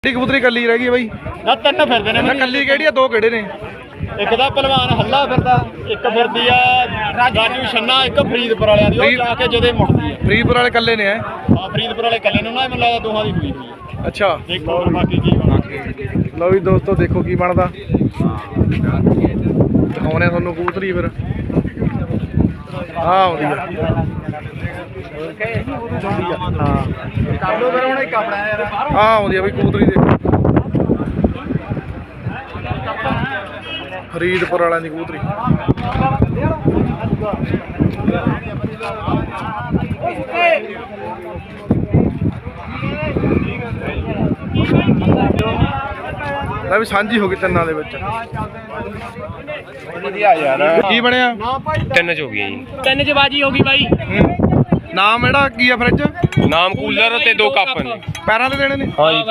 ਕਬੂਤਰੀ ਕੱਲੀ ਰਹਿ ਗਈ ਬਾਈ ਨਾ ਤਿੰਨ ਫਿਰਦੇ ਨੇ। ਕੱਲੀ ਕਿਹੜੀ ਆ? ਦੋ ਕਿਹੜੇ ਨੇ? ਇੱਕ ਦਾ ਪਹਿਲਵਾਨ ਹੱਲਾ ਫਿਰਦਾ, ਇੱਕ ਫਿਰਦੀ ਆ ਰਾਜੂ ਛੰਨਾ, ਇੱਕ ਫਰੀਦਪੁਰ ਵਾਲਿਆਂ ਦੀ। ਉਹ ਜਾ ਕੇ ਜਦੇ ਮੁੜਦੀ ਆ। ਫਰੀਦਪੁਰ ਵਾਲੇ ਕੱਲੇ ਨੇ? ਹਾਂ ਫਰੀਦਪੁਰ ਵਾਲੇ ਕੱਲੇ ਨੂੰ ਨਾ, ਮੈਨੂੰ ਲੱਗਦਾ ਦੋਹਾਂ ਦੀ ਹੋਈ ਹੋਈ। ਅੱਛਾ ਦੇਖੋ ਬਾਕੀ ਕੀ ਬਣਦਾ। ਲਓ ਵੀ ਦੋਸਤੋ ਦੇਖੋ ਕੀ ਬਣਦਾ, ਦਿਖਾਉਣੇ ਤੁਹਾਨੂੰ ਕਬੂਤਰੀ ਫਿਰ। ਆਹ ਆਉਂਦੀ ਆ ਆਹ ਆਉਂਦੀ ਆ ਬਈ ਕਬੂਤਰੀ ਦੇਖੋ, ਫਰੀਦਪੁਰ ਵਾਲਿਆਂ ਦੀ ਕਬੂਤਰੀ। ਲੈ ਵੀ ਸਾਂਝੀ ਹੋ ਗਈ ਤਿੰਨਾਂ ਦੇ ਵਿੱਚ। ਵਧੀਆ ਯਾਰ। ਕੀ ਬਣਿਆ? ਤਿੰਨ ਚ ਹੋ ਗਈ ਜੀ। ਤਿੰਨ ਚ ਬਾਜੀ ਹੋ ਗਈ ਬਾਈ। ਨਾਮ ਇਹਦਾ ਕੀ ਆ ਫਰਿੱਜ? ਨਾਮ ਕੂਲਰ ਤੇ 2 ਕੱਪ ਨੇ। ਪੈਰਾਂ ਤੇ ਦੇਣੇ ਨੇ? ਹਾਂ ਜੀ।